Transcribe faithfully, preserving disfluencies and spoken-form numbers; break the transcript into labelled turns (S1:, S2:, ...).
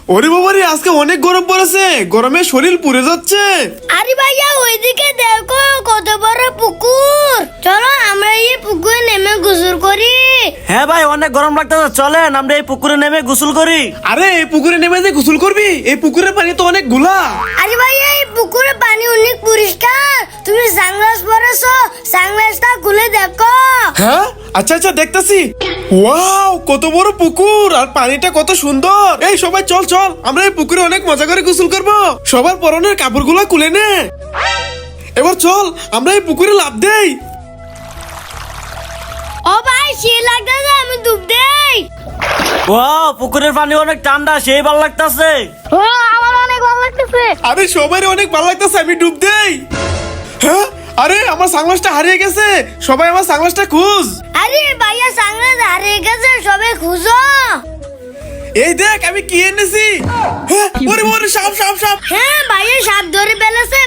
S1: ওরে বাবা রে, আজকে অনেক গরম পড়েছে, গরমে শরীর পুড়ে যাচ্ছে।
S2: আরে ভাইয়া ওইদিকে দেখো কত বড় পুকুর, চলো আমরা এই পুকুরে নেমে গোসল করি।
S3: হ্যাঁ ভাই, অনেক গরম লাগতেছে, চলেন আমরা এই পুকুরে নেমে গোসল করি।
S1: আরে এই পুকুরে নেমে যে গোসল করবি? এই পুকুরের পানি তো অনেক ঘোলা।
S2: আরে ভাইয়া এই পুকুরের পানি অনেক পরিষ্কার, তুমি সানগ্লাস পরেছো, সানগ্লাসটা খুলে দেখো।
S1: হ্যাঁ আচ্ছা আচ্ছা দেখতেছি। ওয়াও, কত বড় পুকুর আর পানিটা কত সুন্দর। এই সবাই চল চল, আমরা এই পুকুরে অনেক মজা করে গোসল করব। সবার পরনের কাপড়গুলো খুলে নে। এবার চল আমরা এই পুকুরে লাফ দেই।
S2: ও ভাই সে লাগতেছে, আমি ডুব দেই।
S3: ও পুকুরের পানি অনেক ঠান্ডা, সেই ভালো লাগতেছে।
S2: ও আমার অনেক ভালো লাগতেছে।
S1: আরে সবাই অনেক ভালো লাগতেছে, আমি ডুব দেই। হ্যাঁ আরে আমার সানগ্লাসটা হারিয়ে গেছে, সবাই আমার সানগ্লাসটা খুঁজ।
S2: আরে ভাইয়া সানগ্লাস হারিয়ে গেছে, সবাই খুঁজো।
S1: এই দেখ আমি কি এনেছি। হ্যাঁ, ওরে ওরে সাপ সাপ সাপ।
S2: হ্যাঁ ভাইয়া সাপ ধরে ফেলেছে,